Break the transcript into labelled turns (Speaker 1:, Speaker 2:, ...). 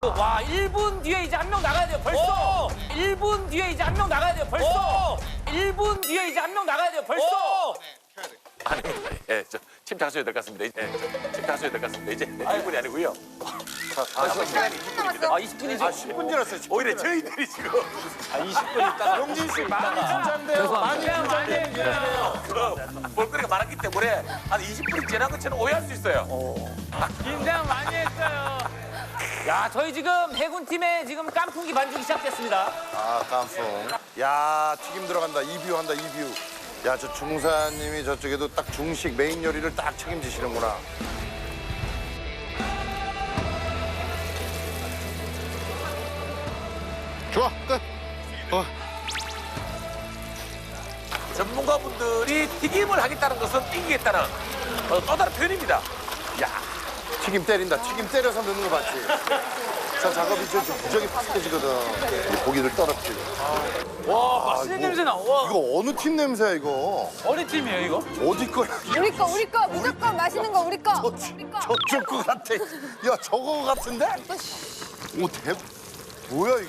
Speaker 1: 와, 1분 뒤에 이제 한 명 나가야 돼요, 벌써. 1분 뒤에 이제 한 명 나가야 돼요, 벌써. 1분 뒤에 이제 한 명 나가야 돼요, 벌써.
Speaker 2: 아닙니다. 예, 침착하셔야 될 것 같습니다. 침착하셔야 될 것 같습니다. 이제 1분이 아니고요. 시간이 20분입니다.
Speaker 1: 아, 20분이죠.
Speaker 3: 10분 지났어요.
Speaker 2: 오히려 저희들이 지금
Speaker 3: 20분 있다가. 용진 씨 많이 긴장돼요. 많이 긴장돼요.
Speaker 2: 볼거리가 많았기 때문에 한 20분이 지난 것처럼 오해할 수 있어요.
Speaker 1: 긴장 많이 했어요. 야, 저희 지금 해군팀의 지금 깐풍기 반죽이 시작됐습니다.
Speaker 3: 아, 깐풍. 야, 튀김 들어간다. 이뷰 한다, 이뷰. 야, 저 중사님이 저쪽에도 딱 중식 메인 요리를 딱 책임지시는구나. 좋아, 끝.
Speaker 2: 전문가분들이 튀김을 하겠다는 것은 이기겠다는 또 다른 표현입니다. 야,
Speaker 3: 튀김 때린다. 튀김 때려서 넣는 거 봤지? 저 작업이 좀 무지하게 팍해지거든. 고기를 떨어뜨리고.
Speaker 1: 와, 맛있는 냄새 나. 와.
Speaker 3: 이거 어느 팀 냄새야, 이거?
Speaker 1: 어느 팀이에요, 이거?
Speaker 3: 어디 거야?
Speaker 4: 우리 거 무조건 맛있는 거 우리 거. 우리 거.
Speaker 3: 저쪽 거 같아. 야, 저거 같은데? 오, 뭐야, 이거?